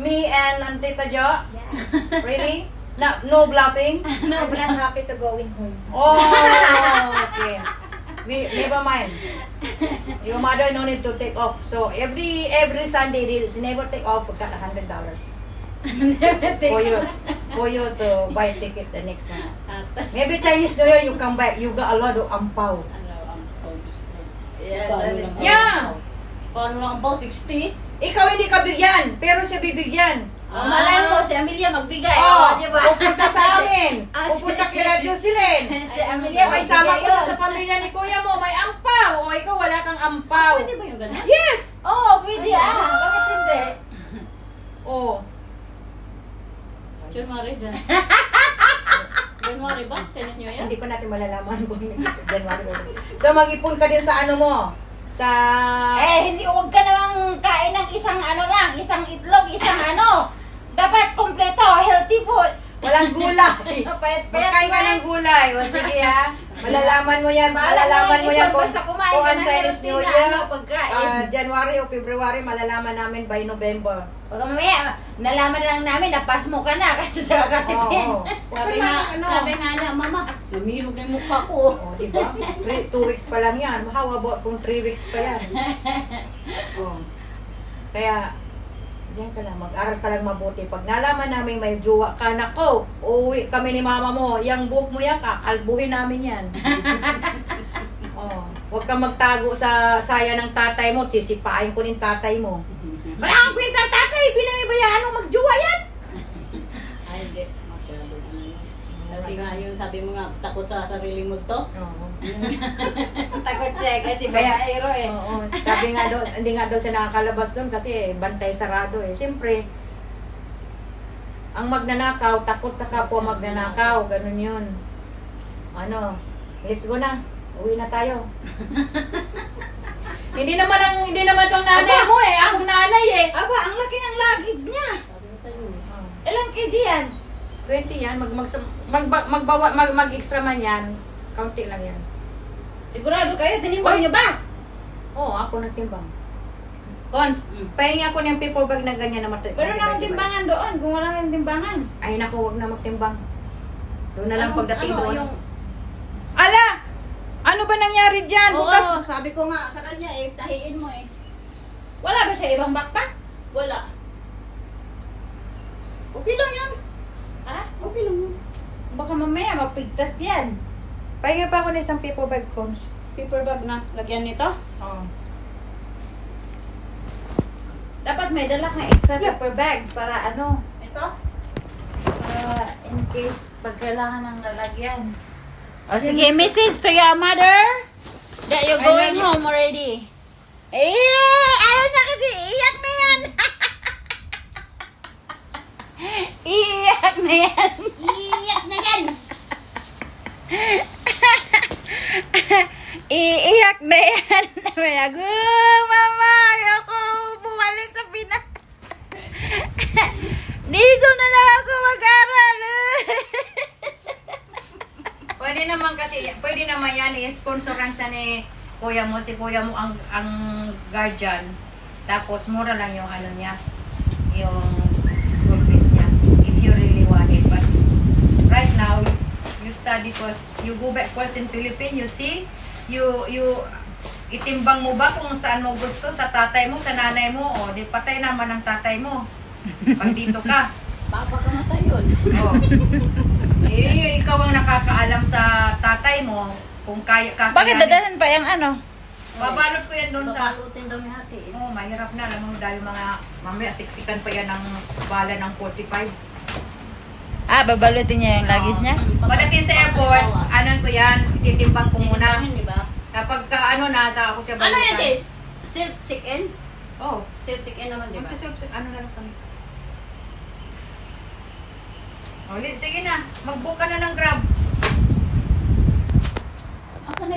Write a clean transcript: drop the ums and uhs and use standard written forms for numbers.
me and Tita Jo? Yeah. Really? No bluffing? I'm not happy to going home. Oh, okay. Never mind. Your mother no need to take off. So every Sunday she never take off. Got $100 for you to buy ticket the next one. Maybe Chinese New Year you come back. You got a lot of ampao. Yeah, Yeah. Paano lang ang pao? 60? Ikaw hindi ka bigyan, pero siya bibigyan. Malay mo, si Amelia magbigay. Oh, di ba? pupunta sa amin. Ah, Pupunta kila Jocelyn. Si Amelia O isama magbigay ko siya yun. sa pamilya ni kuya mo, may ampaw. O ikaw wala kang ampaw. Pwede ba yung ganun? Yes! Oo, pwede Bakit hindi? Oh. January dyan. January ba? Chinese New Year? Hindi pa natin malalaman kung January ba. So mag-ipon ka din sa ano mo? Sa... Hindi, huwag ka namang kain ng isang isang itlog, isang Dapat kompleto, healthy food. Walang gulay. Payat-payat Magkain ka ng gulay. O sige ha. Malalaman mo yan. Malalaman mo yan kung basta kumain kung ka ang ng Chinese healthy New na Year. pagkain. January o February, malalaman namin by November. Pag mamaya, nalaman lang namin na pass mo ka na kasi sa katipin. Oo. Sabi nga na, mama, namihirog na yung mukha ko. Oh, di ba? 2 weeks pa lang yan. How about kung 3 weeks pa yan? Oh. Kaya, diyan ka lang. Mag-aral ka lang mabuti. Pag nalaman namin may jowa ka, nako, uuwi kami ni mama mo. Yang buhok mo yan, kakalbuhin namin yan. Oh. Huwag kang magtago sa saya ng tatay mo. Sisipain ko ng tatay mo. Wala kang kwenta tatay. Pinamibayaan mo magjowa yan. Ay, hindi. Masyado. Kasi nga yung sabi mo nga, takot sa sarili mo to. Oo. Takot siya kasi Kaya, bayaero Oo. Sabi nga daw, hindi nga daw siya nakakalabas doon kasi bantay sarado eh. Siyempre, ang magnanakaw, takot sa kapwa magnanakaw. Ganun yun. Ano, let's go na. Uwi na tayo. Hindi naman tong nanay mo eh. Akong nanay eh. Aba, ang laki ng luggage niya. Sabi mo sa'yo. Ilang kg yan? 20 yan. Mag-extra man yan. Kaunti lang yan. Sigurado kayo, tinimbang niyo ba? Oo, ako nagtimbang. Cons, pahingi ako ng paper bag na ganyan na mati. Pero nang timbangan doon, kung wala nang timbangan. Ay naku, wag na magtimbang. Doon na lang pagdating doon. Yung... Ala! Ano ba nangyari dyan? Oo, Bukas. sabi ko nga sa kanya eh, tahiin mo eh. Wala ba siya ibang backpack? Wala. Okay lang yan. Ha? Okay lang yan. Baka mamaya mapigtas yan. Pahinga pa ako ng isang paper bag, Cons. Paper bag na. Lagyan nito. Oo. Dapat may dala kang extra paper bag para Ito? in case pag kailangan ng lalagyan. O sige, message to your mother that you're going home already. Ayaw niya kasi iyak na yan. Iyak na yan. Iiyak na yan. Iiyak na yan. Mama, ayoko bumalik sa Pinas. Dito na lang ako mag-aral. Pwede naman yan, i-sponsoran siya ni kuya mo. Si kuya mo ang guardian. Tapos mura lang yung ano niya, yung school fees niya. If you really want it. But right now, you study first. You go back first in Philippines, you see, you itimbang mo ba kung saan mo gusto, sa tatay mo, sa nanay mo, o di patay naman ang tatay mo. Pag dito ka. Papakamatay yun. Oh. Ikaw ang nakakaalam sa tatay mo kung kaya ka. Bakit dadalan pa yung Babalot ko yan doon sa... Babalutin daw ni ate. Oo, mahirap na. Alam mo dahil mga... Mamaya siksikan pa yan ng bala ng 45. Babalutin niya yung luggage niya? Pagdating sa airport, ano ko yan, titimbang ko muna. Titimbangin, di ba? Kapag ka nasa ako siya Ano yan, balutan. Tis? Self check-in? Oo. Self check-in naman, di ba? Ano na lang kami. Ulit, sige na. Mag-book ka na ng Grab.